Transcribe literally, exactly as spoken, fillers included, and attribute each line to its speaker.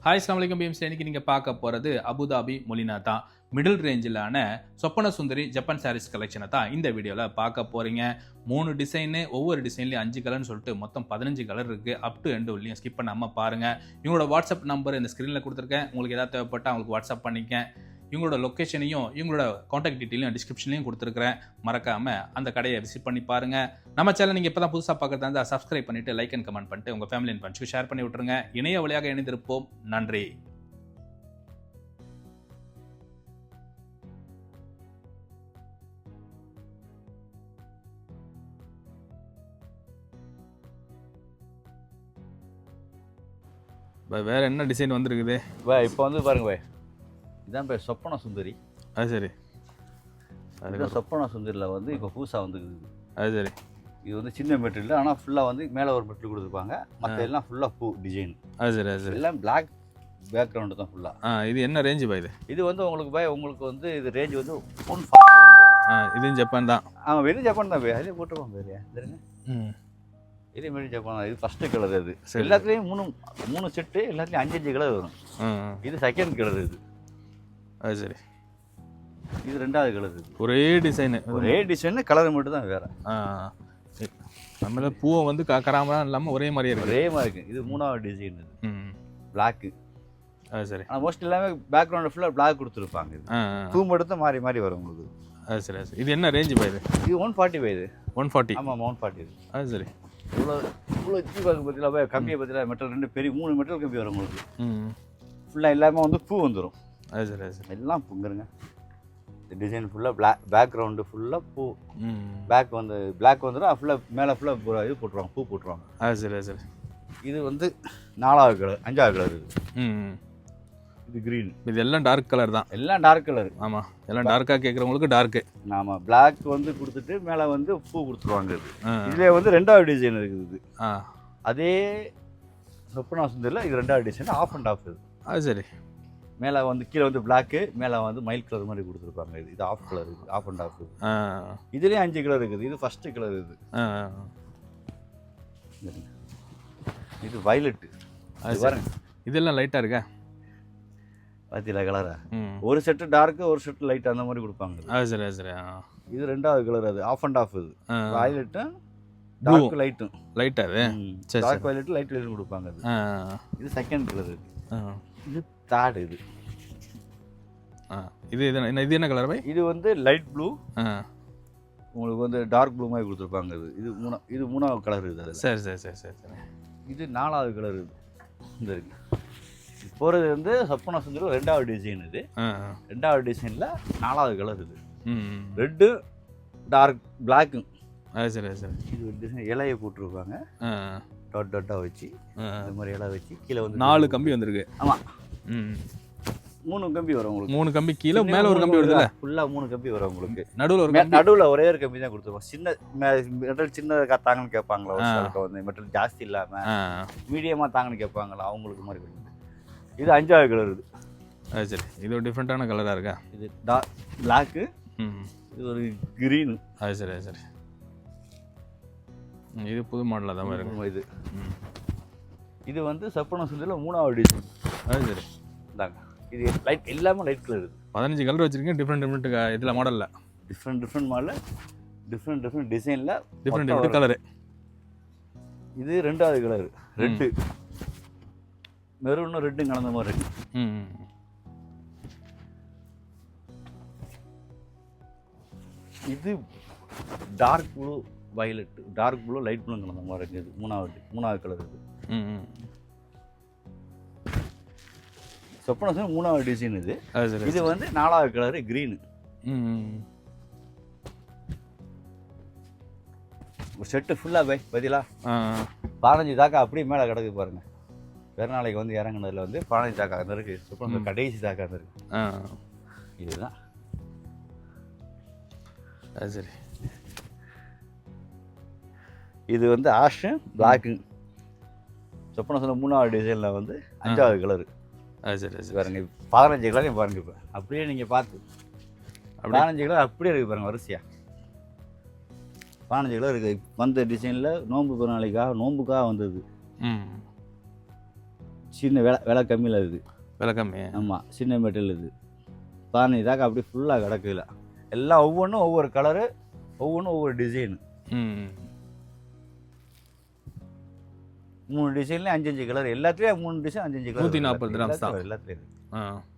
Speaker 1: Hi அஸ்ஸலாமு அலைக்கும் beams. இன்னைக்கு நீங்கள் பார்க்க போகிறது அபுதாபி மொலினா தான். மிடில் ரேஞ்சிலான சொப்பன சுந்தரி ஜப்பான் சாரீஸ் கலெக்ஷனை தான் இந்த வீடியோவில் பார்க்க போகிறீங்க. மூணு டிசைனு, ஒவ்வொரு டிசைன்லேயும் அஞ்சு கலர்னு சொல்லிட்டு மொத்தம் பதினஞ்சு கலர் இருக்குது. அப் டு எண்டு உள்ளியும் ஸ்கிப் பண்ணாமல் பாருங்கள். இவங்களோட வாட்ஸ்அப் நம்பர் இந்த ஸ்க்ரீனில் கொடுத்துருக்கேன். உங்களுக்கு எதாவது தேவைப்பட்டால் அவங்களுக்கு வாட்ஸ்அப் பண்ணிக்க. இவங்களோட லொக்கேஷனையும் இவங்களோட காண்டாக்ட் டீட்டெயிலையும் டிஸ்கிரிப்ஷன்லையும் கொடுத்துருக்குறேன். மறக்காமல் அந்த கடையை விசிட் பண்ணி பாருங்கள். நம்ம சேனல் நீங்கள் இப்போ தான் புதுசாக பார்க்குறதா இருந்தால் சப்ஸ்கிரைப் பண்ணிவிட்டு லைக் அண்ட் கமெண்ட் பண்ணிட்டு உங்கள் ஃபேமிலி அண்ட் ஃப்ரெண்ட்ஸ்க்கு ஷேர் பண்ணி விட்டுருங்க. இணைய வழியாக இணைந்திருப்போம். நன்றி. வேற என்ன டிசைன் வந்துருக்குது
Speaker 2: பா? இப்போ வந்து பாருங்க பாய், இதான் பேர் சொப்பன சுந்தரி. அது சரி, அதுதான் சொப்பன சுந்தரியில் வந்து இப்போ புதுசாக வந்துருக்குது. அது சரி, இது வந்து சின்ன மெட்டீரியல், ஆனால் ஃபுல்லாக வந்து மேலே ஒரு மெட்டீரியல் கொடுத்துருப்பாங்க, மற்ற எல்லாம் ஃபுல்லாக பூ டிசைன். அது சரி, அது சரி, எல்லாம் பிளாக் பேக்ரவுண்டு தான் ஃபுல்லாக. ஆ, இது என்ன ரேஞ்சு பாய்? இது இது வந்து உங்களுக்கு பாய், உங்களுக்கு வந்து இது ரேஞ்ச் வந்து ஒன் ஃபார்ட்டி வரும். ஆ, இதுவும் ஜப்பான் தான். ஆமாம், வெறும் ஜப்பான் தான் பாய். அதிலே போட்டுருவாங்க பாரு. தெரியுங்க, ம், இதே மாதிரி ஜப்பான். இது ஃபஸ்ட்டு கலர். அது எல்லாத்துலேயும் மூணு மூணு செட்டு, எல்லாத்துலேயும் அஞ்சு அஞ்சு கலர் வரும். இது செகண்ட் கலர். இது அது சரி, இது ரெண்டாவது கலர். இது ஒரே டிசைனு, ஒரே டிசைனு, கலர் மட்டும் தான் வேறு. ஆ, நம்மள பூவை வந்து கராமலாம் இல்லாமல் ஒரே மாதிரியே இருக்குது. ஒரே மாதிரி இருக்குது. இது மூணாவது டிசைன். இது ம் பிளாக்கு. அது சரி, ஆனால் மோஸ்ட் எல்லாமே பேக்ரவுண்டு ஃபுல்லாக பிளாக் கொடுத்துருப்பாங்க. இது பூ மட்டும் தான் மாறி மாறி வரும் உங்களுக்கு. அது சரி, அது சரி. இது என்ன ரேஞ்சு பாய்? இது இது ஒன் ஃபார்ட்டி பாய். இது ஒன் ஃபார்ட்டி ஆமாம், ஒன் ஃபார்ட்டி. இது அது சரி. இவ்வளோ இவ்வளோ ஜி பார்க்க பார்த்தீங்களா பாய்? கம்மியை பார்த்தீங்களா? மெட்டல் ரெண்டு பெரிய மூணு மெட்டல் கம்மி வரும் உங்களுக்கு. ம் ஃபுல்லாக எல்லாமே வந்து பூ வந்துடும். அது சரி, அது சரி, எல்லாம் பூங்கிறங்க. இந்த டிசைன் ஃபுல்லாக பிளாக் பேக்ரவுண்டு ஃபுல்லாக பூ. பேக் வந்து பிளாக் வந்துடும், ஃபுல்லாக மேலே ஃபுல்லாக இது போட்டுருவாங்க, பூ போட்டுருவாங்க. அது சரி, அது சரி. இது வந்து நாலாவது கலர், அஞ்சாவது கலர். இது ம் இது க்ரீன். இது எல்லாம் டார்க் கலர் தான். எல்லாம் டார்க் கலர். ஆமாம், எல்லாம் டார்க்காக கேட்குறவங்களுக்கு டார்க்கு. ஆமாம், பிளாக் வந்து கொடுத்துட்டு மேலே வந்து பூ கொடுத்துருவாங்க. இது இதில் வந்து ரெண்டாவது டிசைன் இருக்குது. இது ஆ, அதே சொப்பனா சுந்தரில் இது ரெண்டாவது டிசைன், ஆஃப் அண்ட் ஆஃப். இது அது சரி, மேலே வந்து கீழே வந்து பிளாக்கு, மேலே வந்து மயில் கலர் மாதிரி கொடுத்துருப்பாங்க. இது இது ஆஃப் கலர். இது ஆஃப் அண்ட் ஆஃப். இதுலேயும் அஞ்சு கலர் இருக்குது. இது ஃபஸ்ட்டு கலர். இது இது வயலட்டு. அது பாருங்க, இதெல்லாம் லைட்டாக இருக்கா பார்த்தீங்களா கலரா? ஒரு செட்டு டார்க்கு, ஒரு செட்டு லைட், அந்த மாதிரி கொடுப்பாங்க. அது சரி, அது சரி. இது ரெண்டாவது கலர். அது ஆஃப் அண்ட் ஆஃப். இது வயலட்டும் டார்க் லைட்டும். லைட்டாக அது டார்க் வயலட்டு, லைட் வயலட் கொடுப்பாங்க. அது இது செகண்ட் கலர். இது தேர்ட். இது ஆ, இது என்ன, இது என்ன கலர் பாய்? இது வந்து லைட் ப்ளூ. உங்களுக்கு வந்து டார்க் ப்ளூ மாதிரி கொடுத்துருப்பாங்க. இது இது மூணா இது மூணாவது கலர். இது அது சரி, சரி, சரி, சரி, சரி. இது நாலாவது கலர். இது இந்த இருக்கு போகிறது வந்து சொப்பன சுந்தரி ரெண்டாவது டிசைன். இது ரெண்டாவது டிசைனில் நாலாவது கலர். இது ரெட்டு டார்க் பிளாக்கு. அது சரி, அது சரி. இது ஒரு டிசைன் இலையை போட்டிருப்பாங்க, டாட் டாட்டாக வச்சு, இந்த மாதிரி இலை வச்சு கீழே வந்து நாலு கம்பி வந்திருக்கு. ஆமாம், ம் மூணு கம்பி வரும் உங்களுக்கு. மூணு கம்பி கீழே, மேலே ஒரு கம்பி வருதுல்ல, ஃபுல்லாக மூணு கம்பி வரும் உங்களுக்கு. நடுவில் ஒரு நடுவில் ஒரே ஒரு கம்பி தான் கொடுத்துருவோம். சின்ன மெட்டல் சின்னதாக தாங்கன்னு கேட்பாங்களா, வந்து மெட்டல் ஜாஸ்தி இல்லாமல் மீடியமாக தாங்கன்னு கேட்பாங்களா, அவங்களுக்கு மாதிரி கொடுங்க. இது அஞ்சாவது கலர். இது அது சரி, இது ஒரு டிஃப்ரெண்ட்டான கலராக இருக்கா? இது டா பிளாக்கு. ம் இது ஒரு க்ரீனு. அது சரி, அது சரி. இது புது மாடலாக தான் இருக்கும். இது இது வந்து சொப்பன சுந்தரியில் மூணாவது டிசைன். அது சரி, இந்தாங்க. இது லைட் எல்லாமே லைட் கலர். இது பதினஞ்சு கலர் வச்சுருக்கீங்க, டிஃப்ரெண்ட் டிஃப்ரெண்ட் இதில் மாடலில், டிஃப்ரெண்ட் டிஃப்ரெண்ட் மாடலில், டிஃப்ரெண்ட் டிஃப்ரெண்ட் டிசைனில், டிஃப்ரெண்ட் டிஃப்ரெண்ட் கலரு. இது ரெண்டாவது கலர். ரெட்டு மெரூனும் ரெட்டும் கலந்த மாதிரி இருக்கு. ம் இது dark blue violet, dark blue light blue கலந்த மாதிரி இருக்குது. இது மூணாவது மூணாவது கலர். இது ம் சொப்பன சுந்தரி மூணாவது டிசைன். இது இது வந்து நாலாவது கலரு க்ரீனு. ம் ஒரு செட்டு ஃபுல்லாக பை பதிலா பதினஞ்சு தாக்கா அப்படியே மேலே கிடக்கு பாருங்க. வேறு நாளைக்கு வந்து இறங்குனதில் வந்து பதினஞ்சு தாக்கா அந்த இருக்குது. சொப்பன கடைசி தாக்கா அந்த இருக்குது. இதுதான் அது சரி. இது வந்து ஆஷு பிளாக்கு. சொப்பன சுந்தரி மூணாவது டிசைனில் வந்து அஞ்சாவது கலரு. அது சரி, அது பாருங்க. பதினஞ்சு கலரையும் பாருங்க. இப்போ அப்படியே நீங்கள் பார்த்து பதினஞ்சு கலர் அப்படியே இருக்குது பாருங்கள் வரிசையாக. பதினஞ்சு கிலோ இருக்குது. வந்த டிசைனில் நோன்பு பிறநாளைக்காக நோன்புக்காக வந்தது. சின்ன விலை விலை கம்மியில் இருக்குது.
Speaker 1: விலை கம்மி.
Speaker 2: ஆமாம், சின்ன மெட்டீரியல் இது. பாருங்க இதாக்க அப்படியே ஃபுல்லாக கிடக்குல. எல்லாம் ஒவ்வொன்றும் ஒவ்வொரு கலரு, ஒவ்வொன்றும் ஒவ்வொரு டிசைனு.
Speaker 1: ம்
Speaker 2: மூணு டிசைன்லேயும் அஞ்சு அஞ்சு கலர், எல்லாத்துலேயும் மூணு டிசைன் அஞ்சு அஞ்சு கலர்.
Speaker 1: நூற்றி நாற்பது கிராம்ஸ் தான்
Speaker 2: எல்லாத்துலேயும்.
Speaker 1: ஆ